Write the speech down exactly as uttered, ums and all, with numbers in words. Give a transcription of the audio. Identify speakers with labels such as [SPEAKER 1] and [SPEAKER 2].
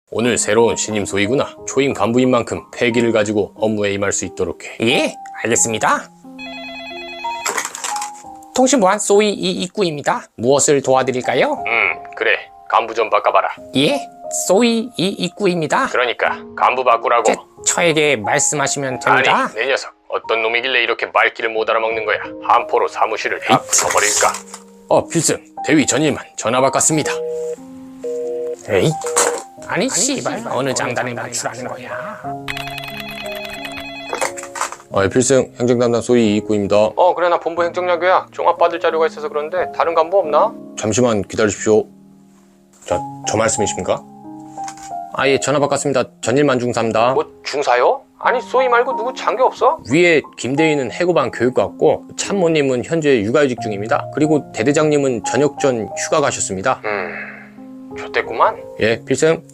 [SPEAKER 1] 오늘 새로운 신임 소위구나. 초임 간부인 만큼 패기를 가지고 업무에 임할 수 있도록 해.
[SPEAKER 2] 예, 알겠습니다. 통신보안 소위 이이구입니다. 무엇을 도와드릴까요?
[SPEAKER 1] 음 그래, 간부 좀 바꿔봐라.
[SPEAKER 2] 예, 소위 이이구입니다.
[SPEAKER 1] 그러니까 간부 바꾸라고.
[SPEAKER 2] 제, 저에게 말씀하시면 됩니다.
[SPEAKER 1] 아니 내 녀석, 어떤 놈이길래 이렇게 말귀를 못 알아먹는 거야. 한포로 사무실을 확 쳐버릴까. 어 필승, 대위 전일만 전화 바꿨습니다.
[SPEAKER 2] 에이, 아니 씨발 어느 장단에 맞추라는 거야.
[SPEAKER 1] 아 필승, 행정담당 소위 이이구입니다. 어 그래, 나 본부 행정약이야. 종합 받을 자료가 있어서 그런데 다른 간부 없나? 잠시만 기다리십시오. 저, 저 말씀이십니까? 아 예, 전화 바꿨습니다. 전일만 중사입니다. 뭐 중사요? 아니 소위 말고 누구 장교 없어? 위에 김대희는 해고반 교육과 같고, 참모님은 현재 육아휴직 중입니다. 그리고 대대장님은 저녁 전 휴가 가셨습니다. 음... 좋댔구만. 예 필승.